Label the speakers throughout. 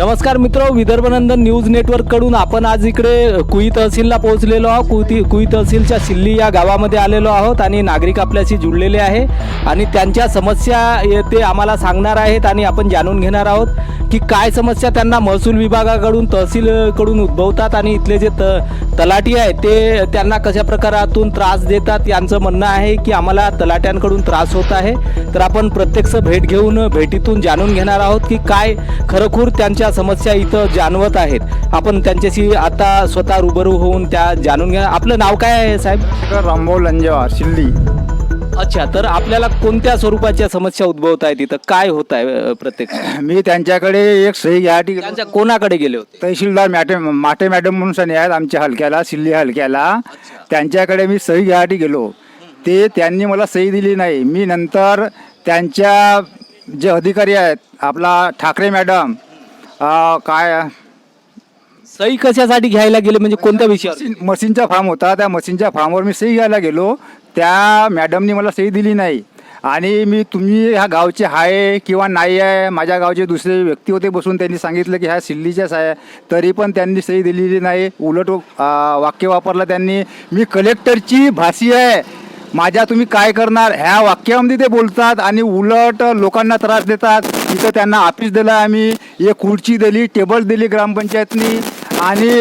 Speaker 1: नमस्कार मित्र, विदर्भनंदन न्यूज नेटवर्ककडून आपण आज इकडे कुई तहसीलला पोहोचलेलो आहोत. कुई तहसीलच्या सिल्ली या गावामध्ये आलेलो आहोत आणि नागरिक आपल्याशी जुळलेले आहे आणि त्यांच्या समस्या ते आम्हाला सांगणार आहेत आणि आपण जाणून घेणार आहोत की काय समस्या त्यांना महसूल विभागाकडून तहसीलकडून उद्भवतात आणि इथले जे तलाठी आहेत ते त्यांना कशा प्रकारातून त्रास देतात. यांचं म्हणणं आहे की आम्हाला तलाट्यांकडून त्रास होत आहे. तर आपण प्रत्यक्ष भेट घेऊन भेटीतून जाणून घेणार आहोत की काय खरोखर त्यांच्या समस्या इथं जाणवत आहेत. आपण त्यांच्याशी आता स्वतः रूबरू होऊन त्या जाणून घ्या. आपलं नाव काय आहे साहेब?
Speaker 2: रामभाऊ लंजेवार, शिल्ली.
Speaker 1: अच्छा, तर आपल्याला कोणत्या स्वरूपाच्या समस्या उद्भवत आहेत इथं, काय होत आहे प्रत्यक्ष?
Speaker 2: मी त्यांच्याकडे एक सही घ्यासाठी गेलो.
Speaker 1: त्यांच्या कोणाकडे गेले होते?
Speaker 2: तहसीलदार माटे मॅडम म्हणून सनी आहेत आमच्या हलक्याला, सिल्ली हलक्याला. त्यांच्याकडे मी सही घ्यासाठी गेलो. त्यांनी मला सही दिली नाही. मी नंतर त्यांच्या जे अधिकारी आहेत, आपला ठाकरे मॅडम, काय
Speaker 1: सही कशासाठी घ्यायला गेले, म्हणजे कोणत्या विषयावर?
Speaker 2: मशीनचा फॉर्म होता, त्या मशीनच्या फॉर्मवर मी सही घ्यायला गेलो. त्या मॅडमनी मला सही दिली नाही. आणि तुम्ही ह्या गावचे आहे किंवा नाही आहे, माझ्या गावचे दुसरे व्यक्ती होते बसून, त्यांनी सांगितलं की ह्या सिल्लीच्याच आहे, तरी पण त्यांनी सही दिलेली नाही. उलट वाक्य वापरलं त्यांनी, मी कलेक्टरची भाषी आहे, माझ्या तुम्ही काय करणार, ह्या वाक्यामध्ये ते बोलतात आणि उलट लोकांना त्रास देतात. इथं त्यांना ऑफिस दिलं, आम्ही एक खुर्ची दिली, टेबल दिली ग्रामपंचायतनी आणि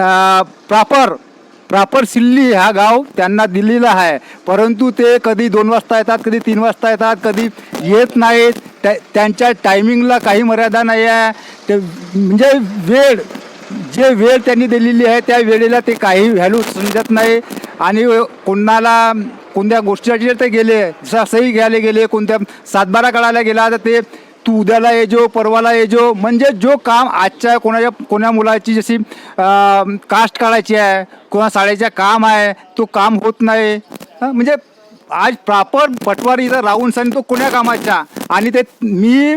Speaker 2: प्रॉपर सिल्ली हा गाव त्यांना दिलेला आहे. परंतु ते कधी 2 वाजता येतात, कधी 3 वाजता येतात, कधी येत नाहीत. त्यांच्या टायमिंगला काही मर्यादा नाही आहे. ते म्हणजे वेळ त्यांनी दिलेली आहे त्या वेळेला ते काही व्हॅल्यू समजत नाही. आणि कोणत्या गोष्टीसाठी ते गेले, जसा सही घ्यायला गेले, कोणत्या 7-12 काढायला गेला, तर ते तू उद्याला येजो, परवाला येजो, म्हणजे जो काम आजच्या कोणा मुलाची जशी कास्ट काढायची आहे, कोणा शाळेच्या काम आहे, तो काम होत नाही. म्हणजे आज प्रॉपर पटवारी इथं राहून सण तो कोण्या कामाच्या. आणि ते मी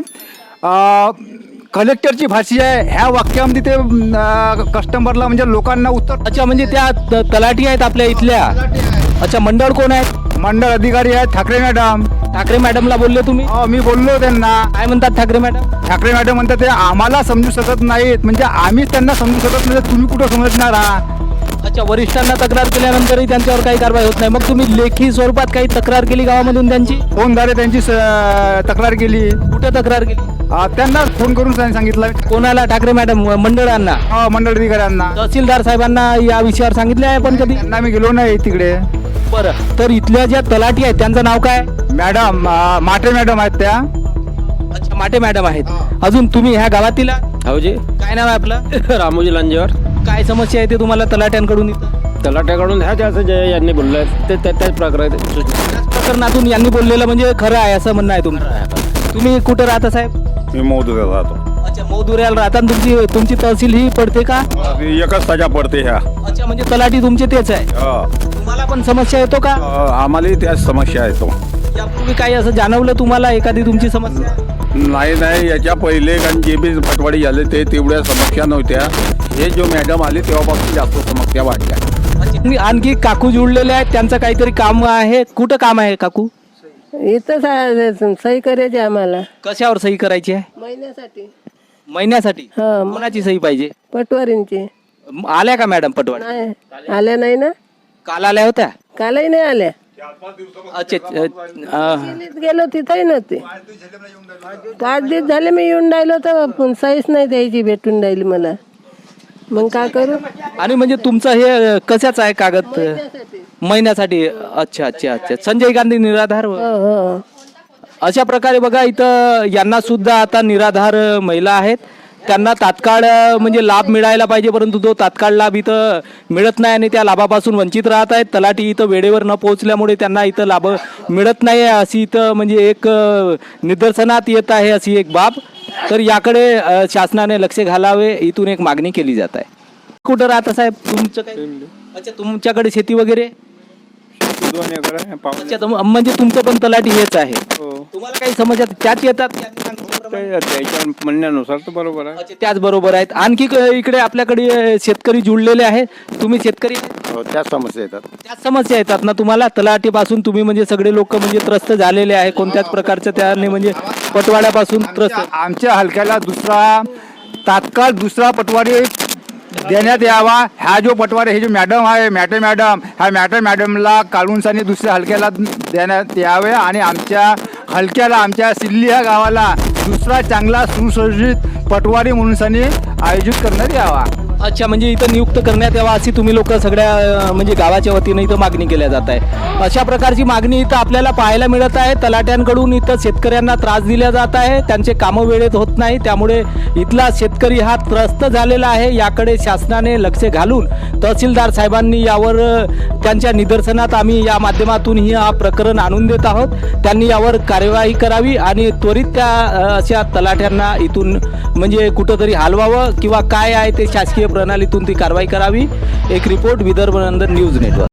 Speaker 2: कलेक्टरची भाषी आहे ह्या वाक्यामध्ये ते कस्टमरला म्हणजे लोकांना उत्तर.
Speaker 1: अच्छा, म्हणजे त्या तलाठी आहेत आपल्या इथल्या. अच्छा, मंडळ कोण आहे?
Speaker 2: मंडळ अधिकारी आहेत ठाकरे मॅडम.
Speaker 1: ठाकरे मॅडमला बोलले तुम्ही?
Speaker 2: मी बोललो त्यांना.
Speaker 1: काय म्हणतात ठाकरे मॅडम?
Speaker 2: ठाकरे मॅडम म्हणतात ते आम्हाला समजू शकत नाहीत, म्हणजे आम्हीच त्यांना समजू शकत नाही, तुम्ही कुठं समजणार आहात.
Speaker 1: अच्छा, वरिष्ठांना तक्रार केल्यानंतरही त्यांच्यावर काही कारवाई होत नाही. मग तुम्ही लेखी स्वरूपात काही तक्रार केली गावामधून त्यांची?
Speaker 2: फोनद्वारे त्यांची तक्रार केली.
Speaker 1: कुठे तक्रार केली?
Speaker 2: त्यांना फोन करून सांगितलं.
Speaker 1: कोणाला? ठाकरे मॅडम मंडळांना?
Speaker 2: मंडळ अधिकाऱ्यांना.
Speaker 1: तहसीलदार साहेबांना या विषयावर सांगितले आहे पण कधी?
Speaker 2: त्यांना मी गेलो नाही तिकडे.
Speaker 1: बरं, तर इथल्या ज्या तलाठी आहेत त्यांचं नाव काय?
Speaker 2: मॅडम माटे मॅडम आहेत त्या.
Speaker 1: अच्छा, माटे मॅडम आहेत. अजून तुम्ही ह्या गावातील?
Speaker 3: हावजी.
Speaker 1: काय नाव आहे आपलं?
Speaker 3: रामोजी लांजेवर.
Speaker 1: काय समस्या आहे ते तुम्हाला तलाट्यांकडून इथं?
Speaker 3: तलाट्याकडून ह्या ज्याचं जे यांनी बोललं ते त्याच प्रकारे
Speaker 1: त्याच प्रकरणातून यांनी बोललेलं म्हणजे खरं आहे असं म्हणणं आहे तुमचं? तुम्ही कुठं राहता साहेब?
Speaker 4: मी मौदुऱ्यात राहतो.
Speaker 1: अच्छा, मौदुऱ्याला राहता. तुमची तहसील ही पडते का?
Speaker 4: एकच सजा पडते ह्या.
Speaker 1: अच्छा, म्हणजे तलाठी तुमचे तेच आहे. तुम्हाला पण समस्या येतो का?
Speaker 4: आम्हाला त्याच समस्या येतो.
Speaker 1: यापूर्वी काही असं जाणवलं तुम्हाला एखादी तुमची समस्या?
Speaker 4: नाही, याच्या पहिले कारण जे बी पटवाडी झाले ते तेवढ्या समस्या नव्हत्या. हे जो मॅडम आले तेव्हापासून जास्त समस्या वाढल्या.
Speaker 1: आणखी काकू जुळलेले आहेत, त्यांचं काहीतरी काम आहे. कुठं काम आहे काकू?
Speaker 5: इथं सही करायची आम्हाला.
Speaker 1: कशावर सही करायची आहे? महिन्यासाठी. कोणाची सही पाहिजे?
Speaker 5: पटवारींची.
Speaker 1: आल्या का मॅडम पटवाडी?
Speaker 5: नाही आल्या नाही ना.
Speaker 1: काल आल्या होत्या?
Speaker 5: कालही नाही आल्या.
Speaker 1: अच्छा,
Speaker 5: गेलो तिथंही नव्हते. 5 दिवस झाले मी येऊन राहिलो तर सहीच नाही द्यायची भेटून राहिली मला. मग काय करू?
Speaker 1: आणि म्हणजे तुमचं हे कशाच आहे कागद? महिन्यासाठी. अच्छा अच्छा अच्छा. संजय गांधी निराधार.
Speaker 5: हो.
Speaker 1: अशा प्रकारे बघा इथं यांना सुद्धा आता निराधार महिला आहेत, त्यांना तात्काळ म्हणजे लाभ मिळायला पाहिजे, परंतु तो तात्काळ लाभ इथं मिळत नाही आणि त्या लाभापासून वंचित राहत आहेत. तलाठी इथं वेळेवर न पोहोचल्यामुळे त्यांना इथं लाभ मिळत नाही आहे अशी इथं म्हणजे एक निदर्शनात येत आहे अशी एक बाब. तर याकडे शासनाने लक्ष घालावे इथून एक मागणी केली जात आहे. कुठं राहता साहेब तुमचं काय? अच्छा, तुमच्याकडे शेती वगैरे? अच्छा, म्हणजे तुमचं पण तलाठी हेच आहे. तुम्हाला काही समस्या त्याच येतात?
Speaker 3: म्हणण्यानुसार तर बरोबर आहे.
Speaker 1: अच्छा, त्याच बरोबर आहेत. आणखी इकडे आपल्याकडे शेतकरी जुळलेले आहेत. तुम्ही शेतकरी?
Speaker 4: त्याच समस्या येतात.
Speaker 1: त्याच समस्या येतात ना तुम्हाला? तलाठीपासून तुम्ही म्हणजे सगळे लोक म्हणजे त्रस्त झालेले आहे कोणत्याच प्रकारच्या त्याने म्हणजे पटवाड्यापासून त्रस्त?
Speaker 2: आमच्या हलक्याला दुसरा तात्काळ दुसरा पटवारी देण्यात यावा. ह्या जो पटवारी हे जो मॅडम आहे ह्या मॅडमला काढूनसानी दुसऱ्या हलक्याला देण्यात यावे आणि आमच्या हलक्याला आमच्या सिल्ली ह्या गावाला दुसरा चांगला सुसज्जित पटवारी म्हणून आयोजित करण्यात यावा.
Speaker 1: अच्छा, म्हणजे इथं नियुक्त करण्यात यावा अशी तुम्ही लोक सगळ्या म्हणजे गावाच्या वतीनं इथं मागणी केल्या जात आहे. अशा प्रकारची मागणी इथं आपल्याला पाहायला मिळत आहे. तलाट्यांकडून इथं शेतकऱ्यांना त्रास दिला जात आहे, त्यांचे कामं वेळेत होत नाही, त्यामुळे इथला शेतकरी हा त्रस्त झालेला आहे. याकडे शासनाने लक्ष घालून तहसीलदार साहेबांनी यावर त्यांच्या निदर्शनात आम्ही या माध्यमातून हा प्रकरण आणून देत आहोत. त्यांनी यावर कार्यवाही करावी आणि त्वरित त्या अशा तलाट्यांना इथून म्हणजे कुठंतरी हलवावं किंवा काय आहे ते शासकीय प्रणालीतून ती कारवाई करावी. एक report Vidarbha Nandan news network.